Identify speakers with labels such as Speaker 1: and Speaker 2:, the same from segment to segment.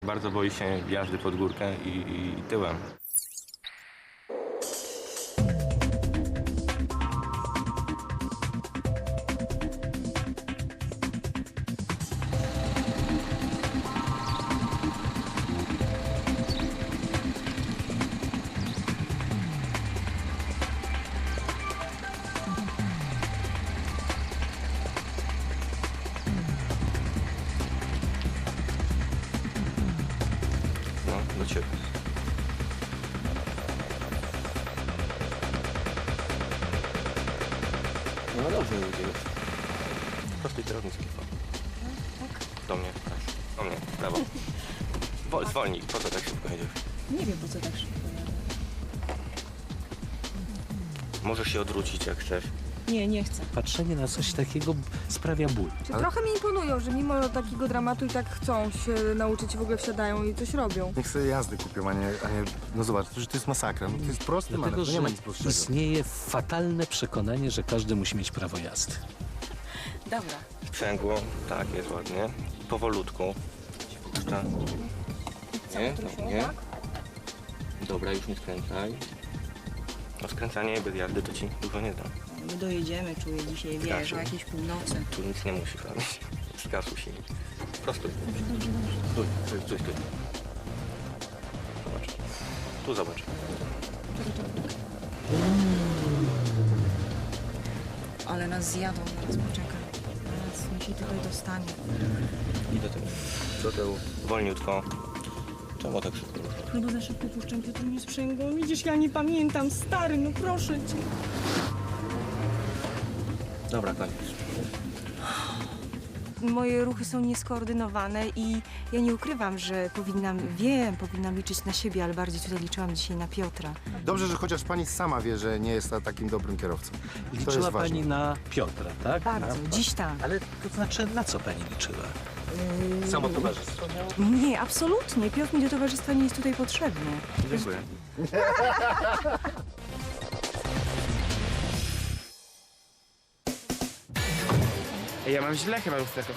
Speaker 1: Bardzo boi się jazdy pod górkę i tyłem. Do ciebie. No dobrze mi idzie. Prostuj kierownicę. Do mnie, tak. Do mnie, prawo. Zwolnij, po co tak szybko jedziesz?
Speaker 2: Nie wiem, po co tak szybko jadę.
Speaker 1: Możesz się odwrócić jak chcesz.
Speaker 2: Nie chcę.
Speaker 3: Patrzenie na coś takiego sprawia ból.
Speaker 4: Trochę mi imponują, że mimo takiego dramatu i tak chcą się nauczyć, w ogóle wsiadają i coś robią.
Speaker 5: Niech sobie jazdy kupią, a nie no zobacz, że to jest masakra. No to jest prosty
Speaker 3: Dlatego,
Speaker 5: manewr,
Speaker 3: że
Speaker 5: nie ma nic prostego.
Speaker 3: istnieje fatalne przekonanie, że każdy musi mieć prawo jazdy.
Speaker 2: Dobra.
Speaker 1: Sprzęgło, tak, jest ładnie. Powolutku. Się puszcza. Nie, no, nie. Dobra, już nie skręcaj. No skręcanie bez jazdy to ci dużo nie da.
Speaker 2: My dojedziemy, czuję dzisiaj, wiesz,
Speaker 1: Zgasił.
Speaker 2: o jakiejś północy.
Speaker 1: Tu nic nie musisz robić. Zgasł silnik. Prostuj. Stój. Zobacz. Tu zobacz.
Speaker 2: Ale nas zjadą, zaraz poczekaj. Zaraz mi się tutaj dostanie.
Speaker 1: I do tyłu. Do tyłu. Wolniutko. Czemu tak szybko?
Speaker 2: No bo za szybko puszczam, Piotr mnie sprzęgło. Widzisz, ja nie pamiętam, stary, no proszę cię.
Speaker 1: Dobra, koniec.
Speaker 4: Moje ruchy są nieskoordynowane i ja nie ukrywam, że powinnam liczyć na siebie, ale bardziej tutaj liczyłam dzisiaj na Piotra.
Speaker 5: Dobrze, że chociaż pani sama wie, że nie jest takim dobrym kierowcą. To jest
Speaker 3: Liczyła
Speaker 5: ważne.
Speaker 3: pani na Piotra, tak?
Speaker 4: Bardzo, dziś tak.
Speaker 3: Ale to znaczy, na co pani liczyła? Samo towarzystwo miało?
Speaker 4: Nie, absolutnie. Piotr mi do towarzystwa nie jest tutaj potrzebny.
Speaker 5: Dziękuję.
Speaker 6: Ja mam źle chyba lusterko.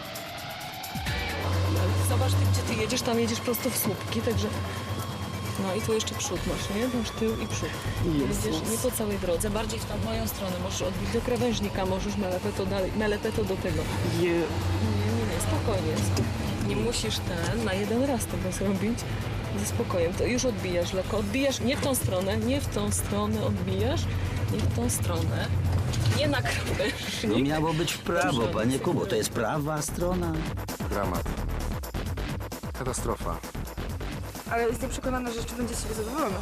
Speaker 2: Zobacz, gdzie ty jedziesz, tam jedziesz prosto w słupki, także... No i tu jeszcze przód masz, nie? Masz tył i przód. Jedziesz nie po całej drodze, bardziej w tą moją stronę. Możesz odbić do krawężnika, możesz melepeto do tego. Nie, spokojnie. Nie musisz na jeden raz tego zrobić. Ze spokojem, to już odbijasz lekko. Odbijasz nie w tą stronę odbijasz, nie w tą stronę. Nie na krawężnik.
Speaker 7: No miało być w prawo, panie Kubo, to jest prawa strona.
Speaker 5: Dramat. Katastrofa.
Speaker 4: Ale jestem przekonana, że jeszcze będzie z siebie zadowolona.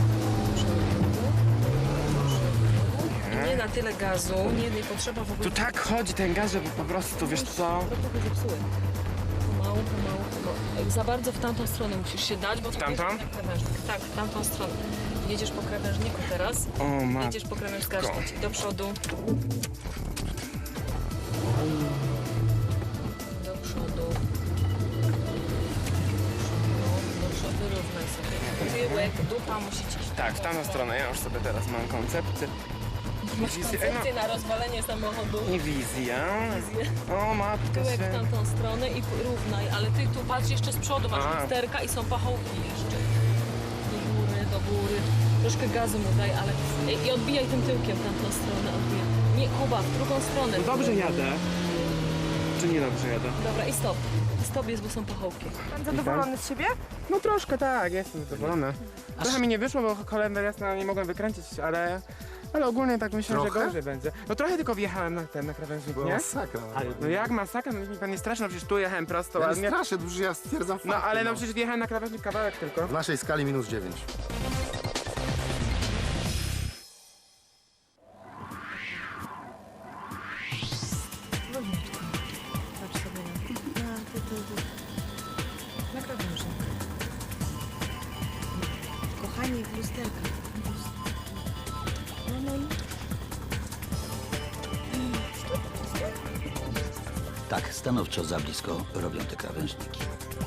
Speaker 2: Nie na tyle gazu, nie potrzeba w ogóle...
Speaker 6: Tu tak chodzi ten gaz, żeby po prostu, wiesz co?
Speaker 2: Trochę zepsuły. Pomału. Za bardzo w tamtą stronę musisz się dać, bo...
Speaker 6: tamtą?
Speaker 2: Tak, w tamtą stronę. Jedziesz po krawężniku teraz.
Speaker 6: O matko.
Speaker 2: Jedziesz po krawężniku, do przodu. Do przodu. Wyrównaj sobie. Tyłek, dupa musi ci...
Speaker 6: Tak, w tamtą stronę. Ja już sobie teraz mam koncepcję.
Speaker 2: Masz koncepcję na rozwalenie samochodu.
Speaker 6: I wizja. O matko
Speaker 2: Tyłek w
Speaker 6: się.
Speaker 2: tamtą stronę i równaj, ale ty tu patrz jeszcze z przodu, masz
Speaker 6: A.
Speaker 2: lusterka i są pachołki jeszcze. Do góry. Troszkę gazu mu daj, ale... I odbijaj tym tyłkiem w tamtą stronę, odbijaj. Nie, Kuba, w drugą stronę.
Speaker 6: No dobrze jadę. Czy nie dobrze jadę?
Speaker 2: Dobra, i stop. Stop jest, bo są pachołki.
Speaker 4: Pan zadowolony z siebie?
Speaker 6: No troszkę tak, jestem zadowolony. Trochę mi nie wyszło, bo kolender jasno nie mogłem wykręcić, ale ogólnie tak myślę, że
Speaker 5: Trochę?
Speaker 6: gorzej będzie. No trochę tylko wjechałem na krawężnik,
Speaker 5: Była
Speaker 6: nie?
Speaker 5: masakra.
Speaker 6: No jak masakra, no niech mi pan nie straszy, no przecież tu jechałem prosto
Speaker 5: Ja nie
Speaker 6: ładnie.
Speaker 5: straszę, już ja stwierdzam
Speaker 6: No
Speaker 5: fakty,
Speaker 6: ale no przecież wjechałem na krawężnik kawałek tylko.
Speaker 5: W naszej skali -9.
Speaker 2: Patrz sobie na krawężnik. Kochani, w lusterka. No i...
Speaker 7: Tak, stanowczo za blisko robią te krawężniki.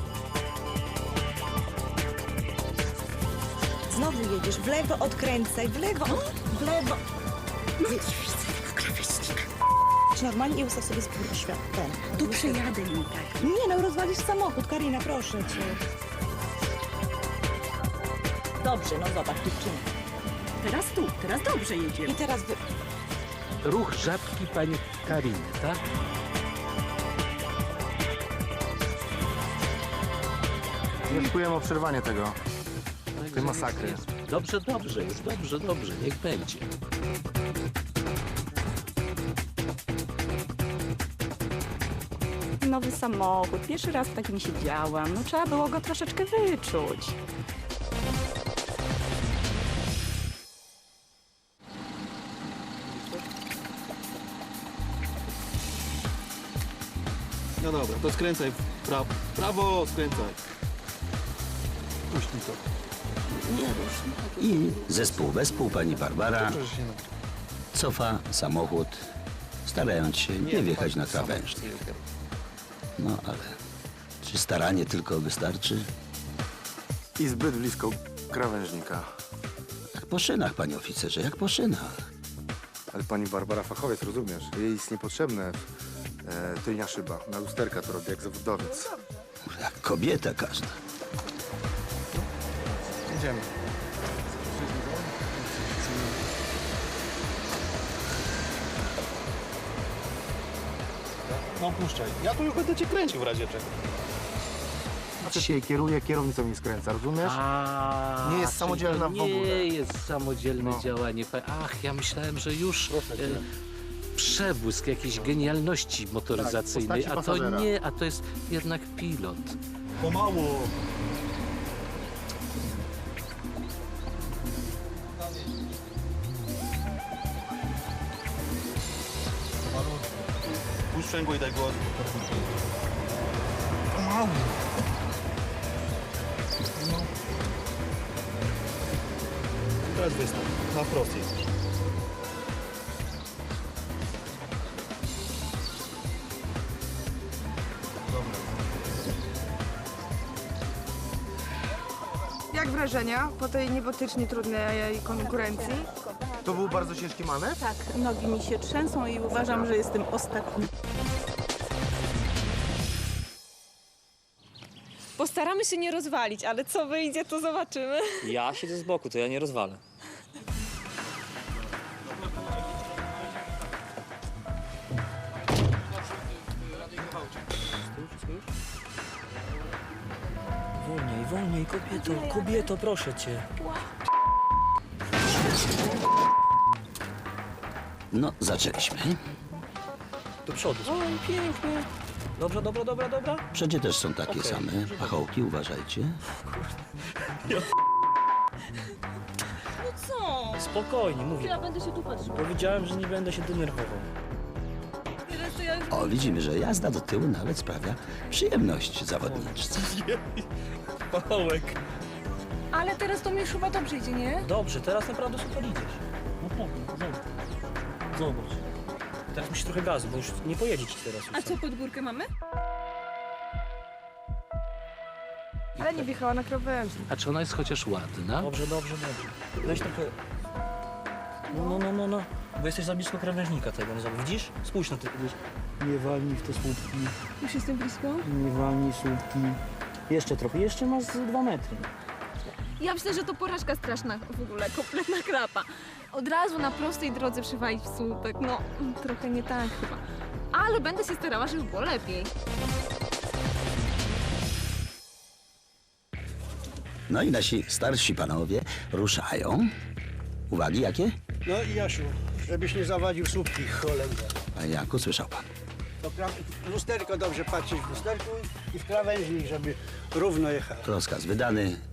Speaker 8: Znowu jedziesz, w lewo odkręcaj, w lewo. Jedź normalnie i ustaw sobie świat.
Speaker 9: Tu przejadę nim tak.
Speaker 8: Nie no, rozwalisz samochód, Karina, proszę cię. Dobrze, no zobacz, dziewczyny.
Speaker 9: Teraz dobrze jedziemy.
Speaker 8: I teraz
Speaker 3: Ruch żabki pani Kariny, tak?
Speaker 5: Wnioskujemy o przerwanie tego. Tej masakry.
Speaker 3: Dobrze, już dobrze, niech będzie.
Speaker 9: Nowy samochód. Pierwszy raz w takim siedziałam. No trzeba było go troszeczkę wyczuć.
Speaker 10: No dobra, to skręcaj w prawo. Prawo, skręcaj. Puść mi to.
Speaker 7: I zespół wespół pani Barbara cofa samochód, starając się nie wjechać na krawężnik. No ale czy staranie tylko wystarczy?
Speaker 5: I zbyt blisko krawężnika.
Speaker 7: Jak po szynach, panie oficerze, jak po szynach.
Speaker 5: Ale pani Barbara fachowiec, rozumiesz? Jej jest niepotrzebne tylnia szyba. Na lusterka to robi jak zawodowiec.
Speaker 7: Jak kobieta każda.
Speaker 5: Idziemy.
Speaker 10: No puszczaj. Ja tu już będę cię kręcił w razie czego.
Speaker 5: Dzisiaj kieruje, kierownicą nie skręca, rozumiesz? Nie jest
Speaker 3: czyli
Speaker 5: samodzielna
Speaker 3: to
Speaker 5: w ogóle.
Speaker 3: Nie jest samodzielne działanie. Ach, ja myślałem, że już przebłysk jakiejś genialności motoryzacyjnej,
Speaker 5: Tak, w
Speaker 3: a
Speaker 5: postaci
Speaker 3: to
Speaker 5: pasażera.
Speaker 3: nie, a to jest jednak pilot.
Speaker 10: Pomału. Puść sprzęgło i daj głos. Pomału. No. Teraz wystaw. Na wprost jest.
Speaker 11: Jak wrażenia po tej niebotycznie trudnej konkurencji?
Speaker 5: To był bardzo ciężki manewr?
Speaker 9: Tak, nogi mi się trzęsą i uważam, że jestem ostatni.
Speaker 2: Postaramy się nie rozwalić, ale co wyjdzie, to zobaczymy.
Speaker 12: Ja siedzę z boku, to ja nie rozwalę.
Speaker 13: Wolniej, wolniej, kobieto, proszę cię.
Speaker 7: No, zaczęliśmy.
Speaker 13: Do przodu. Oj, pięknie. Dobra.
Speaker 7: Wszędzie też są takie same pachołki, uważajcie.
Speaker 2: Co?
Speaker 13: Spokojnie, mówię.
Speaker 2: Ja będę się tu patrzył.
Speaker 13: Powiedziałem, że nie będę się denerwował.
Speaker 2: Teraz to ja już...
Speaker 7: O, widzimy, że jazda do tyłu nawet sprawia przyjemność zawodniczce.
Speaker 13: Pachołek.
Speaker 2: Ale teraz to mi już chyba dobrze idzie, nie?
Speaker 13: Dobrze, teraz naprawdę super idziesz. Naprawdę, zobacz. Teraz musisz trochę gazu, bo już nie pojedzie ci teraz.
Speaker 2: A co, pod górkę mamy?
Speaker 11: Ale nie wjechała na krawężnik.
Speaker 3: A czy ona jest chociaż ładna?
Speaker 13: Dobrze. Weź trochę... No. Bo jesteś za blisko krawężnika tego, no zobacz. Widzisz? Spójrz na te... Nie walnij w te słupki.
Speaker 2: Już jestem blisko?
Speaker 13: Nie walnij słupki. Jeszcze trochę, jeszcze masz 2 metry.
Speaker 2: Ja myślę, że to porażka straszna w ogóle, kompletna klapa. Od razu na prostej drodze przywalić w słupek, no trochę nie tak chyba. Ale będę się starała, żeby było lepiej.
Speaker 7: No i nasi starsi panowie ruszają. Uwagi jakie?
Speaker 14: No i Jasiu, żebyś nie zawadził słupki, cholera.
Speaker 7: A Janku, słyszał pan.
Speaker 14: To w lusterko dobrze patrzeć w lusterku i w krawężnik, żeby równo jechał.
Speaker 7: Rozkaz wydany.